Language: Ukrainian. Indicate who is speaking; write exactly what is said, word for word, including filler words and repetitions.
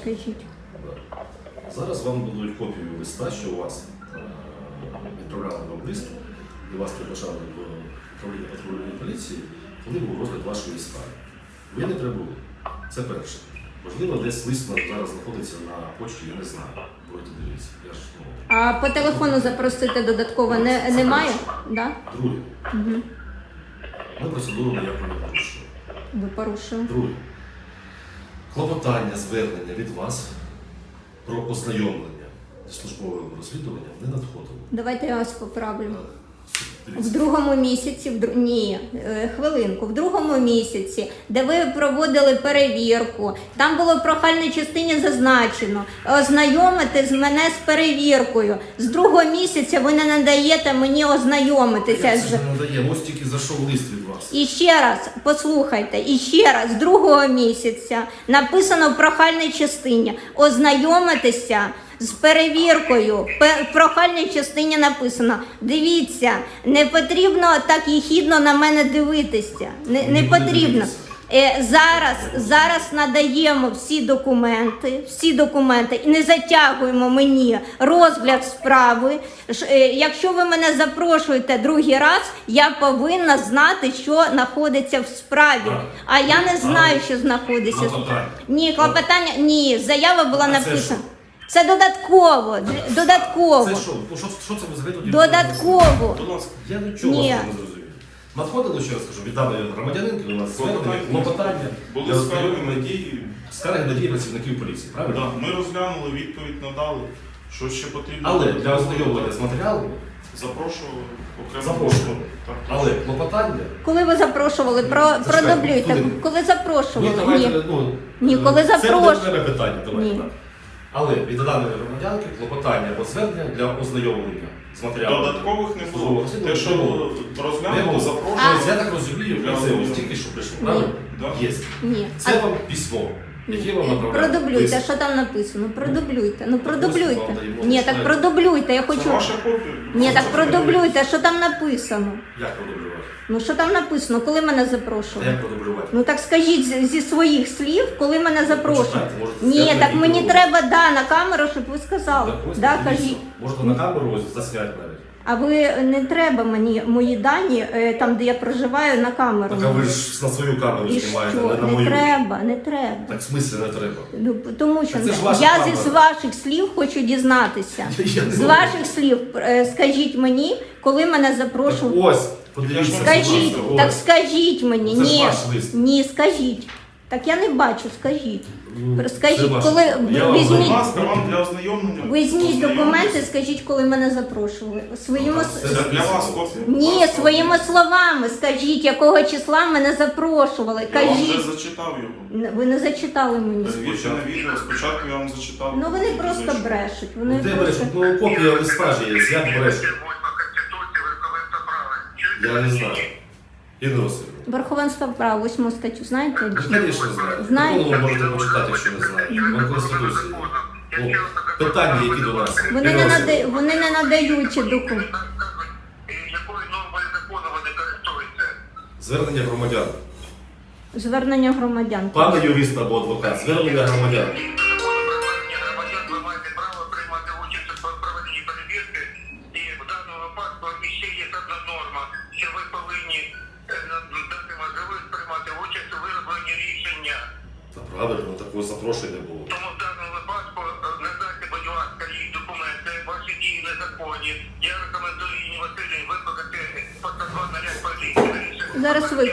Speaker 1: Кажіть.
Speaker 2: Зараз вам дадуть копію листа, що у вас е, відправляли вам лист, і вас приглашали в управління патрульної поліції, коли був розгляд вашої справи. Ви не прибули. Це перше. Можливо, десь лист зараз знаходиться на почті, я не знаю. Будете дивитися. Я ж, ну...
Speaker 1: А по телефону запросити додатково не,
Speaker 2: Це
Speaker 1: немає?
Speaker 2: перше.
Speaker 1: Да?
Speaker 2: Друге.
Speaker 1: Угу.
Speaker 2: Ми процедуру ніяку не порушуємо.
Speaker 1: Ви порушили.
Speaker 2: Друге. Клопотання, звернення від вас про ознайомлення зі службовим розслідуванням не надходило.
Speaker 1: Давайте я вас поправлю. В
Speaker 2: Дивіться.
Speaker 1: другому місяці, в дру... ні, е, хвилинку, в другому місяці, де ви проводили перевірку, там було в прохальній частині зазначено ознайомити з мене з перевіркою. З другого місяця ви не надаєте мені ознайомитися.
Speaker 2: Як
Speaker 1: з...
Speaker 2: це ж не надає? Ось тільки зайшов лист від вас.
Speaker 1: І ще раз, послухайте, і ще раз, з другого місяця написано в прохальній частині ознайомитися з перевіркою. В прохальній частині написано, дивіться, не потрібно так єхідно на мене дивитися, не, не потрібно. Е, зараз, зараз надаємо всі документи, всі документи і не затягуємо мені розгляд справи. Ш- е, Якщо ви мене запрошуєте другий раз, я повинна знати, що знаходиться в справі.
Speaker 2: Так.
Speaker 1: А я не знаю, що знаходиться. в-
Speaker 2: Клопотання.
Speaker 1: Ні, клопотання, ні, заява була
Speaker 2: А це
Speaker 1: написана. Це додатково, д- додатково,
Speaker 2: Це що? Ну, що, що це ви взагалі тоді?
Speaker 1: додатково.
Speaker 2: Будь ласка, я нічого
Speaker 1: Ні.
Speaker 2: вас не зрозумів. Надходило, ще раз кажу, від даної громадянинки у нас звернення, клопотання,
Speaker 3: Були
Speaker 2: для
Speaker 3: скарги
Speaker 2: ознайомлення,
Speaker 3: на дії.
Speaker 2: скарги на дії працівників поліції, правильно?
Speaker 3: Да, ми розглянули, відповідь надали. Що ще потрібно?
Speaker 2: Але для ознайомлення з матеріалами
Speaker 3: Запрошували окремо.
Speaker 2: запрошували.
Speaker 3: Так,
Speaker 2: Але клопотання...
Speaker 1: Коли ви запрошували, про,
Speaker 2: Зачекайте,
Speaker 1: продублюйте.
Speaker 2: хвилинку.
Speaker 1: Коли запрошували?
Speaker 2: Ні, давайте,
Speaker 1: Ні.
Speaker 2: ну,
Speaker 1: Ні,
Speaker 2: е,
Speaker 1: коли
Speaker 2: це
Speaker 1: запрошую.
Speaker 2: не окреме питання, давайте
Speaker 1: Ні.
Speaker 2: так. Але від даної громадянки клопотання або звернення для ознайомлення з матеріалами.
Speaker 3: Додаткових не
Speaker 2: Службового
Speaker 3: було.
Speaker 2: розслідування
Speaker 3: Те, що
Speaker 2: не було. Не
Speaker 3: розглянули,
Speaker 2: було.
Speaker 3: запрошували.
Speaker 2: Тобто, я так розумію,
Speaker 3: Для
Speaker 2: це ось
Speaker 3: ознайомлення.
Speaker 2: тільки що прийшло, правильно?
Speaker 3: Да.
Speaker 2: Є.
Speaker 1: Ні.
Speaker 2: Це вам письмо, яке вам направляє.
Speaker 1: Продублюйте,
Speaker 2: лист.
Speaker 1: що там написано? Продублюйте. Ну
Speaker 2: ось
Speaker 1: продублюйте.
Speaker 2: вам даємо
Speaker 1: Ні,
Speaker 2: лист.
Speaker 1: так продублюйте, я
Speaker 3: Це
Speaker 1: хочу.
Speaker 3: ваша копія.
Speaker 1: Ні, так
Speaker 3: Це
Speaker 1: продублюйте, що там написано.
Speaker 2: Як продублювати?
Speaker 1: Ну що там написано, коли мене
Speaker 2: А
Speaker 1: запрошували?
Speaker 2: як продублювати?
Speaker 1: Ну так скажіть з- зі своїх слів, коли мене запрошують.
Speaker 2: Почитайте, можете
Speaker 1: Ні,
Speaker 2: зняти
Speaker 1: так
Speaker 2: на
Speaker 1: мені
Speaker 2: відео.
Speaker 1: треба да, на камеру, щоб ви сказали.
Speaker 2: Так, ось
Speaker 1: Да,
Speaker 2: дивіться.
Speaker 1: кажіть.
Speaker 2: Можете на камеру ось засняти навіть.
Speaker 1: А ви не треба мені мої дані, е, там де я проживаю, на камеру.
Speaker 2: Так а ви ж на свою камеру
Speaker 1: І
Speaker 2: знімаєте,
Speaker 1: що?
Speaker 2: не на
Speaker 1: Не
Speaker 2: мою.
Speaker 1: треба, не треба.
Speaker 2: Так в смислі не треба.
Speaker 1: Ну, тому що
Speaker 2: Так це ж ваша
Speaker 1: я
Speaker 2: камера.
Speaker 1: зі ваших слів хочу дізнатися.
Speaker 2: Я не
Speaker 1: З
Speaker 2: знаю.
Speaker 1: ваших слів е, скажіть мені, коли мене
Speaker 2: Так
Speaker 1: запрошували.
Speaker 2: ось, подивіться.
Speaker 1: Скажіть,
Speaker 2: будь ласка,
Speaker 1: так
Speaker 2: ось.
Speaker 1: скажіть мені,
Speaker 2: Це ж
Speaker 1: ні,
Speaker 2: ваш лист.
Speaker 1: ні, скажіть. Так я не бачу, скажіть.
Speaker 2: Ну,
Speaker 1: Скажіть,
Speaker 2: це ваш.
Speaker 1: коли
Speaker 2: Я
Speaker 1: ви
Speaker 2: вам
Speaker 3: Будь
Speaker 1: візьміть,
Speaker 3: ласка, вам для ознайомлення.
Speaker 1: візьміть документи,
Speaker 3: ознайомитись.
Speaker 1: скажіть, коли мене запрошували. Своїми
Speaker 2: Це
Speaker 1: с-
Speaker 3: Це для вас копія.
Speaker 1: ні, своїми словами скажіть, якого числа мене запрошували.
Speaker 3: Я вам вже
Speaker 1: Кажіть.
Speaker 3: зачитав його.
Speaker 1: Ви не зачитали мені.
Speaker 3: Перевірте на відео. Спочатку я вам зачитав.
Speaker 1: Ну вони просто
Speaker 3: Зайшов.
Speaker 1: брешуть. Вони
Speaker 2: Де
Speaker 1: просто...
Speaker 2: брешуть? Ну копія листа ж є, як брешуть? Я не знаю. Інна Васильівна.
Speaker 1: Верховенство права, восьму статтю, знаєте?
Speaker 2: Ви, звісно, знаєте.
Speaker 1: Знаєте.
Speaker 2: Закону ви можете почитати, якщо не знаєте. Вам Конституції. Ну, питання, які до нас.
Speaker 1: Вони
Speaker 2: Інна
Speaker 1: не,
Speaker 2: Васильівна.
Speaker 1: нада... вони не надають документи.
Speaker 4: Якою нормою закону вони користуються?
Speaker 2: Звернення громадян.
Speaker 1: Звернення громадян.
Speaker 2: Пане юрист або адвокат, звернення громадян.
Speaker 4: Законом про звернення громадян ви маєте право приймати участь у проведенні перевірки. І в даному випадку ще є одна норма, що ви повинні е, дати можливість приймати участь у виробленні рішення.
Speaker 2: Та правильно, такого запрошення не було.
Speaker 4: Тому в даному випадку е, надайте, будь ласка, їй документи, ваші дії незаконні. Я рекомендую Інні Васильівні викликати постанову наряд поліції.
Speaker 1: Зараз ви.